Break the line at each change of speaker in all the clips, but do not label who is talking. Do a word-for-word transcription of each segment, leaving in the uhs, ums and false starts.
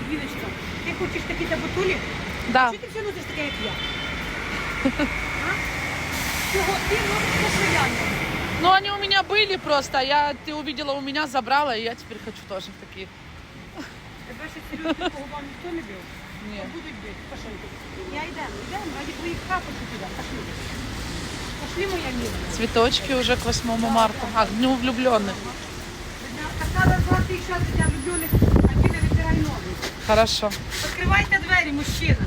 Альбіночка, ти хочеш такі табутулі?
Да.
Чого ти все носиш таке, як я? А? Чого ти носиш постоянно?
Ну, они у меня были просто, я, ты увидела у меня, забрала, и я теперь хочу тоже такие.
Тебе ще серйозно по губам ніхто не бив?
Ні.
Будуть бити. Пошли. Я йдемо, йдемо, раді твоїх капочок туди. Пошли. Пошли, моя мила.
Цветочки уже к восьмому марта, а, к дню влюбленных.
Так надо звати ще для влюблених, а ти не витирай ноги.
Хорошо.
Відкривайте двері, мужчина.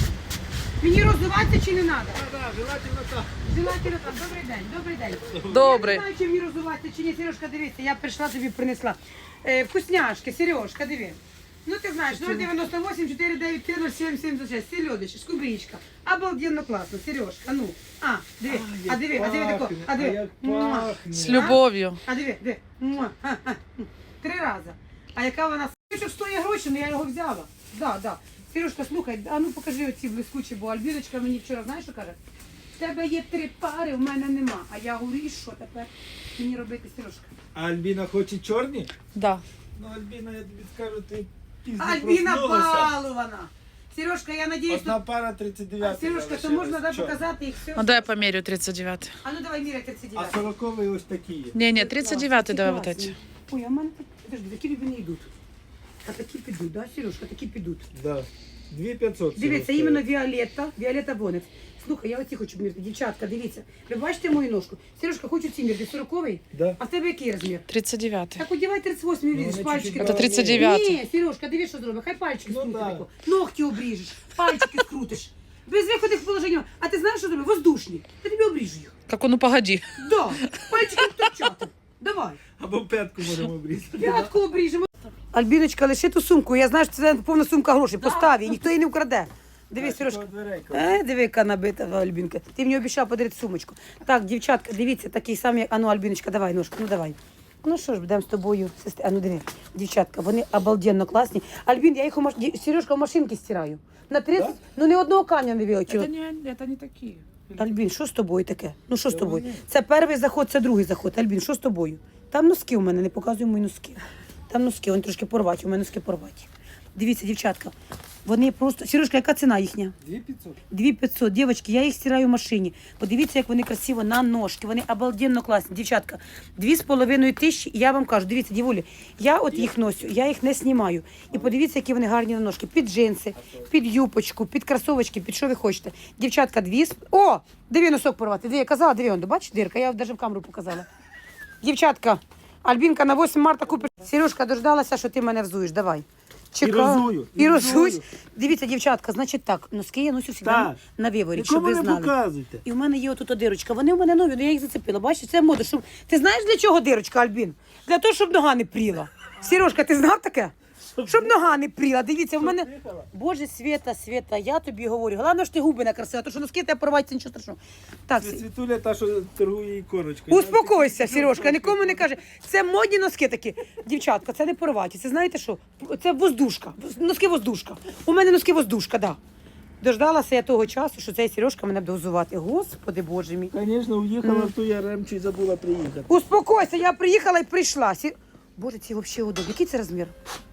Мені роздуватися чи не треба?
Так, так, желательно так.
Желательно так. Добрий день, добрий день.
Добрий.
Я не знаю, чи мені роздуватися чи ні. Сережка, дивися, я прийшла, тобі принесла. Е, вкусняшки, Сережка, диви. Ну ти знаєш, нуль дев'яносто вісім чотири дев'ять три нуль сім сімдесят шість, сельодич, скубричка. Обалденно класно, Сережка, ну. А, диви, а диви, а диви тако, а диви. Муа.
С любовью.
А диви, диви. Муа. Ха, ха. Три рази. А яка вона Сучок стоїть гроші, але я його взяла. Да, да. Сережка, слухай, а ну покажи оці блискучі, бо Альбіночка мені вчора, знаєш, що каже? В тебе є три пари, в мене нема. А я говорю, і що тепер мені робити, Сережка?
А Альбіна хоче чорні?
Да.
Ну, Альбіна, я тобі скажу, ти пізно
Альбіна
проснулася.
балована. Сережка, я надіюсь,
Одна
то...
пара тридцять дев'ять.
Сережка, то можна да, показати їх все?
Ну, дай я померю тридцать девятый.
А ну давай міряй тридцять
А
дев'ять.
сорокові ось такі є.
Не, не, тридцать девятый давай вот эти.
Ой, а в мене так... Подожди, такі любі не йдуть. А такі підуть, да, Сережка, такі підуть.
Да. дві п'ятсот.
Дивіться, іменно Віолетта, Віолетта Бонекс. Слухай, я оці хочу мірити. Дівчатка, дивіться. Ви бачите мою ножку? Сережка, хочу ці мірити. сороковий?
Да.
А в тебе який розмір?
тридцать девятый.
Так одягай тридцять восьмий,
Ну,
видиш,
вони
пальчики.
чуть-чуть
так.
Это тридцать девятый.
Ні, Сережка, дивись, що зробить. Хай пальчики
Ну,
скрутить
да.
тако. Ногті обріжеш, пальчики скрутиш. Без виходних положень. А ти знаєш, що зробить? Воздушні. Я тобі обріжу їх.
Как он, ну погоди.
Да, пальчики вточати. Давай.
Або п'ятку можемо обрізати.
П'ятку обріжемо. Альбіночка, лиши ту сумку. Я знаю, що це повна сумка грошей. Постав її, ніхто її не вкраде. Дивись, Сережка. Е, диви, яка набита Альбінка. Ти мені обіцяв подарити сумочку. Так, дівчатка, дивіться, такий самий, як... А ну, Альбіночка, давай ножку, ну давай. Ну що ж, будемо з тобою, сестри. А ну диви, дівчатка, вони обалденно класні. Альбін, я їх у маш... Ді- Сережка в машинки стираю. На тридцять,
Да?
ну ні одного камня не вилетіло.
Это не, это не такие.
Альбін, що з тобою таке? Ну що з тобою? Це перший заход, це другий заход. Альбін, що з тобою? Там носки у мене, не показуй мої носки. Там носки, вони трошки порваті, у мене носки порваті. Дивіться, дівчатка, вони просто... Сережка, яка ціна їхня?
дві п'ятсот.
дві п'ятсот. Дівчатки, я їх стираю в машині. Подивіться, як вони красиво на ножки. Вони обалденно класні. Дівчатка, дві з половиною тисячі. І я вам кажу, дивіться, дівулі, я от їх носю, я їх не знімаю. І подивіться, які вони гарні на ножки. Під джинси, під юпочку, під кросовочки, під що ви хочете. Дівчатка, дві з... О! Диви носок порвати. Диви, я казала, диви, он, бачиш, дирка, я навіть в камеру показала. Дівчатка, Альбінка на восьме марта купиш. Сережка, дождалася, що ти мене взуєш. Давай. Чекаю.
розую,
І
і
розуюсь.
розую.
Дивіться, дівчатка, значить так, носки я носю завжди
Так.
на виворі, щоб
Нікому
ви
не
знали.
показуйте.
І в мене є отут дирочка. Вони в мене нові, але я їх зацепила. Бачиш, це мода. Щоб... Ти знаєш, для чого дирочка, Альбін? Для того, щоб нога не пріла. Сережка, ти знав таке? Щоб нога не пріла. Дивіться, в мене... Боже, Света, Света, я тобі говорю. Головне, що ти губи накрасила, тому що носки тебе порваються, нічого страшного. Так,
Це Світуля та, що торгує іконочкою.
успокойся, Сережка, нікому не каже. Це модні носки такі. Дівчатка, це не порваті. Це знаєте що? Це воздушка. Носки воздушка. У мене носки воздушка, так. Да. Дождалася я того часу, що цей Сережка мене буде взувати. Господи Боже мій.
Звісно, уїхала в ту яремчу і забула приїхати.
Успокойся, я приїхала і прийшла. Сі... Боже, ці взагалі удобні. Який це розмір?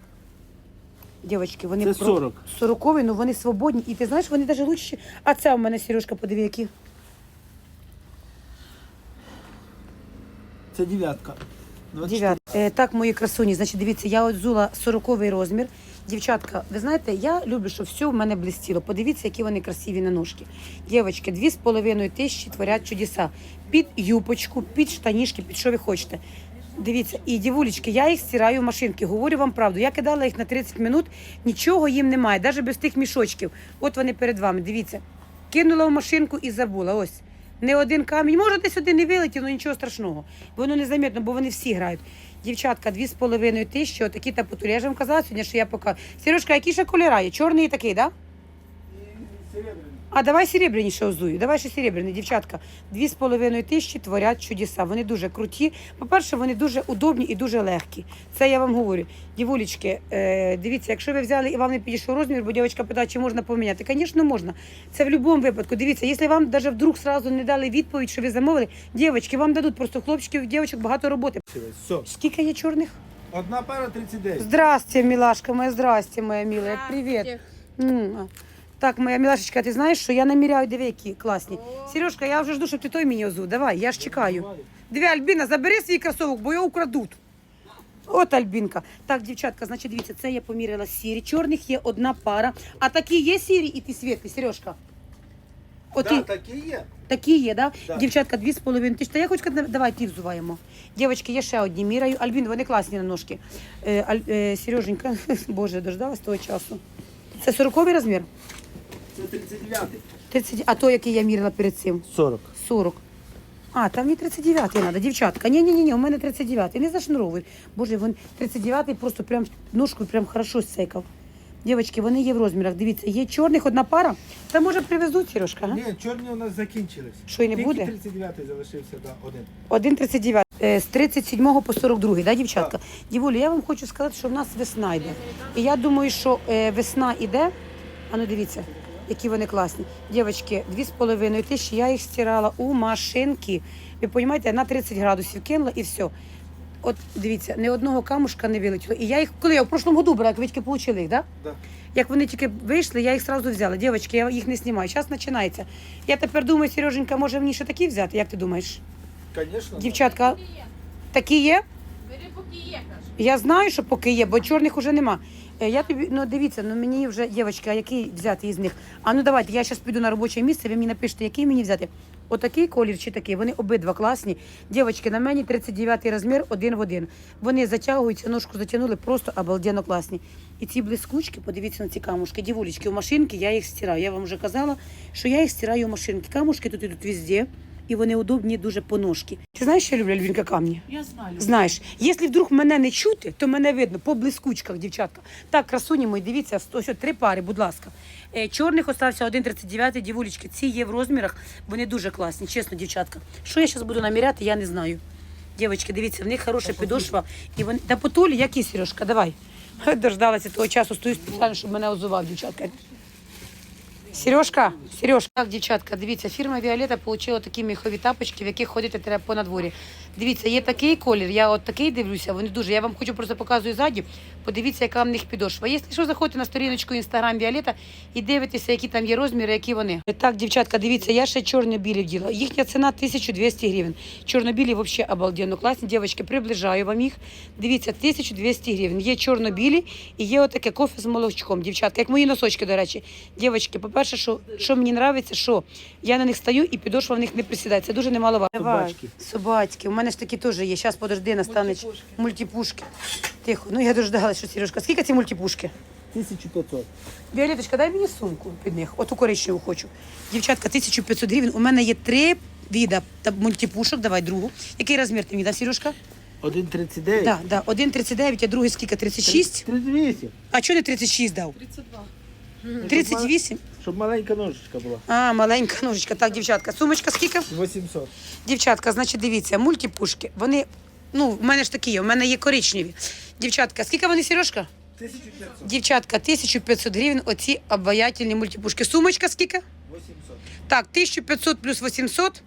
Дівчатки, вони
Це сорок.
сорокові, але вони свободні. І ти знаєш, вони навіть лучші. А це у мене, Сережка, подиви, які.
Це дев'ятка.
Дев'ят. Е, так, мої красуні, значить, дивіться, я от взула сороковий розмір. Дівчатка, ви знаєте, я люблю, щоб все в мене блистіло. Подивіться, які вони красиві на ножки. Дівчатки, дві з половиною тисячі творять чудеса. Під юпочку, під штанішки, під що ви хочете. Дивіться, і дівулечки, я їх стираю в машинки. Говорю вам правду. Я кидала їх на тридцять минут, нічого їм немає, навіть без тих мішочків. От вони перед вами, дивіться. Кинула в машинку і забула, ось. Не один камінь, може десь один не вилетів, але нічого страшного. Воно незаметно, бо вони всі грають. Дівчатка, дві з половиною тисячі, отакі тапотурі. Я ж вам казала сьогодні, що я пока. Сережка, які ще кольори є? Чорний і такий, так? Да? А давай серебряні ще озую. Давай ще серебряні, дівчатка. Дві з половиною тисячі творять чудеса. Вони дуже круті. По-перше, вони дуже удобні і дуже легкі. Це я вам говорю. Дівулечки, е, дивіться, якщо ви взяли і вам не підійшов розмір, бо дівчинка питає, чи можна поміняти. Звісно, можна. Це в будь-якому випадку. Дивіться, якщо вам навіть вдруг сразу не дали відповідь, що ви замовили, дівчатки, вам дадуть просто хлопчиків, дівчаток багато роботи.
Все.
Скільки є чорних?
Одна пара тридцять дев'ять.
Здрасте, милашка моя, здрасте, моя милая, привет. М. Так, моя милашечка, ти знаєш, що я наміряю, диви, які класні. Сережка, я вже жду, щоб ти той мені озу. Давай, я ж чекаю. Диви, Альбіна, забери свій кросовок, бо його украдуть. От Альбінка. Так, дівчатка, значить, дивіться, це я поміряла сірі. Чорних є одна пара. А такі є сірі і ті світлі, Сережка? От
Так,
і-
такі є.
Такі є, да?
Да.
Дівчатка, дві з половиною тисячі. Та я хочу сказати, давай ті взуваємо. Дівчатки, є ще одні міряю. Альбін, вони класні на ножки. Е, Аль, е, Сереженька, боже, дождалась того часу. Це сороковий розмір?
Це тридцять дев'ятий.
тридцять, а то, який я міряла перед цим?
сорок.
сорок. А, там мені тридцять дев'ятий треба, дівчатка. Ні-ні-ні, у мене тридцять дев'ятий. Не зашнуровуй. Боже, він тридцять дев'ятий просто прям ножкою прям хорошо зсекав. Дівчатки, вони є в розмірах. Дивіться, є чорних одна пара. Та може привезуть, Сережка, га?
Ні, чорні у нас закінчились.
Що, і не
Тільки
буде?
тридцять дев'ятий залишився, да, один.
один тридцять дев'ять. Е, З тридцять сьомого по сорок другий, да, дівчатка? Дівулі, я вам хочу сказати, що в нас весна йде. І я думаю, що е, весна йде. А ну дивіться, які вони класні. Дівчатки, дві з половиною тисячі, я їх стирала у машинки. Ви розумієте, на тридцять градусів кинула і все. От дивіться, ні одного камушка не вилетіло. І я їх, коли я в прошлому году брала, як ви тільки отримали їх, да?
Да.
Як вони тільки вийшли, я їх одразу взяла. Дівчатки, я їх не знімаю. Зараз починається. Я тепер думаю, Сереженька, може мені ще такі взяти? Як ти думаєш?
Звісно.
Дівчатка, такі є?
Бери, поки є, кажу.
Я знаю, що поки є, бо чорних уже нема. Е, Я тобі, ну дивіться, ну мені вже, дівчатки, а який взяти із них? А ну давайте, я зараз піду на робоче місце, ви мені напишете, який мені взяти. Отакий колір чи такий, вони обидва класні. Дівчатки, на мені тридцять дев'ятий розмір, один в один. Вони затягуються, ножку затягнули, просто обалденно класні. І ці блискучки, подивіться на ці камушки, дівулечки, у машинки я їх стираю. Я вам вже казала, що я їх стираю у машинки. Камушки тут йдуть везде, і вони удобні дуже по ножки. Ти знаєш, що я люблю, Альвінка, камні?
Я знаю.
Знаєш, якщо вдруг мене не чути, то мене видно по блискучках, дівчатка. Так, красуні мої, дивіться, ось от три пари, будь ласка. Е, Чорних остався один тридцять дев'ятий, дівулечки. Ці є в розмірах, вони дуже класні, чесно, дівчатка. Що я зараз буду наміряти, я не знаю. Дівчатки, дивіться, в них хороша підошва. І вони... Та потолі, які, Сережка, давай. Дождалася того часу, стою спеціально, щоб мене озував, дівчатка. Сережка, Сережка. Так, дівчатка, дивіться, фірма Віолета отримала такі міхові тапочки, в яких ходити треба по надворі. Дивіться, є такий колір, я от такий дивлюся, вони дуже. Я вам хочу просто показую ззаді. Подивіться, яка в них підошва. Якщо що, заходьте на сторіночку Інстаграм Віолета і дивитеся, які там є розміри, які вони. Так, дівчатка, дивіться, я ще чорно-білі вділа. Їхня ціна тисяча двісті гривень. Чорно-білі взагалі обалденно класні. Дівчатки, приближаю вам їх. Дивіться, тисяча двісті гривень. Є чорно-білі і є отаке кофе з молочком, дівчатка, як мої носочки, до речі. Дівчатки, по-перше, що, що мені подобається, що я на них стою і підошва в них не присідає. Це дуже немаловажно.
Собачки.
Собачки. У мене ж такі теж є. Зараз, подожди, настануть мультипушки. Тихо. Ну я дождалася, що Сережка. Скільки ці мультипушки?
тисяча п'ятсот.
Віолеточка, дай мені сумку під них. Оту коричневу хочу. Дівчатка, тисяча п'ятсот гривень. У мене є три віда та мультипушок. Давай другу. Який розмір ти мені дав, Сережка?
один тридцять дев'ять.
Так, да, один тридцять дев'ять, а другий скільки? тридцять шість?
тридцять вісім.
А чого не тридцять шість дав?
тридцять два.
тридцять вісім?
Щоб маленька ножичка була.
А, маленька ножичка. Так, дівчатка, сумочка скільки?
вісімсот.
Дівчатка, значить, дивіться, мультипушки. Вони, ну, в мене ж такі є, в мене є коричневі. Дівчатка, скільки вони, Сережка?
тисяча п'ятсот.
Дівчатка, тисяча п'ятсот гривень, оці обаятельні мультипушки. Сумочка скільки?
вісімсот.
Так, тисяча п'ятсот плюс вісімсот.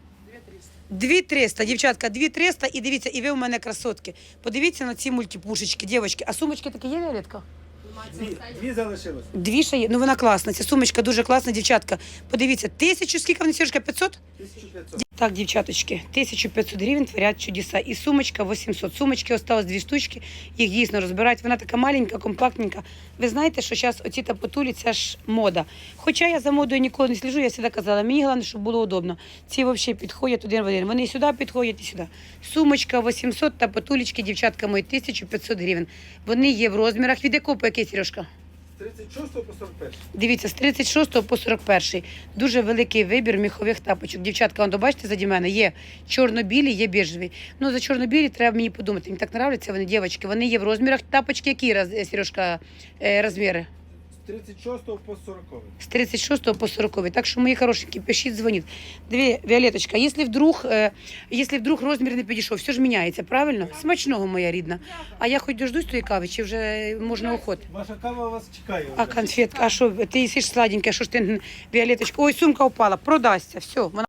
дві триста, дівчатка, дві триста, і дивіться, і ви у мене красотки. Подивіться на ці мультипушечки, дівчатки. А сумочки такі є, Віолетка?
Дві, дві залишилось.
Дві ще є, ну вона класна, ця сумочка дуже класна, дівчатка. Подивіться, тисячу, скільки вони, Сережка, п'ятсот?
тисяча п'ятсот.
Так, дівчаточки, тисяча п'ятсот гривень творять чудеса. І сумочка вісімсот. Сумочки осталось дві штучки, їх дійсно розбирають. Вона така маленька, компактненька. Ви знаєте, що зараз оці тапотулі, це ж мода. Хоча я за модою ніколи не сліжу, я завжди казала, мені головне, щоб було удобно. Ці взагалі підходять один в один. Вони і сюди підходять, і сюди. Сумочка вісімсот, тапотулечки, дівчатка мої, тисяча п'ятсот гривень. Вони є в розмірах. Від якого по який, Сережка?
З тридцять шостого по сорок перший.
Дивіться, з тридцять шостого по сорок перший. Дуже великий вибір міхових тапочок. Дівчатка, он, бачите, заді мене є чорно-білі, є біжеві. Ну, за чорно-білі треба мені подумати. Мені так нравляться вони, дівчатки. Вони є в розмірах. Тапочки які, роз- Сережка, е, розміри?
З тридцять шостого по сороковий.
З тридцять шостого по сороковий. Так що, мої хорошенькі, пишіть, дзвоніть. Дві, Віолеточка, якщо вдруг, е, якщо вдруг розмір не підійшов, все ж міняється, правильно? Смачного, моя рідна. А я хоч дождусь тої кави, чи вже можна уходити?
Ваша кава вас чекає.
А
вже.
конфетка, а що, ти їсиш сладеньке, що ж ти, Віолеточка? Ой, сумка упала, продасться, все, вона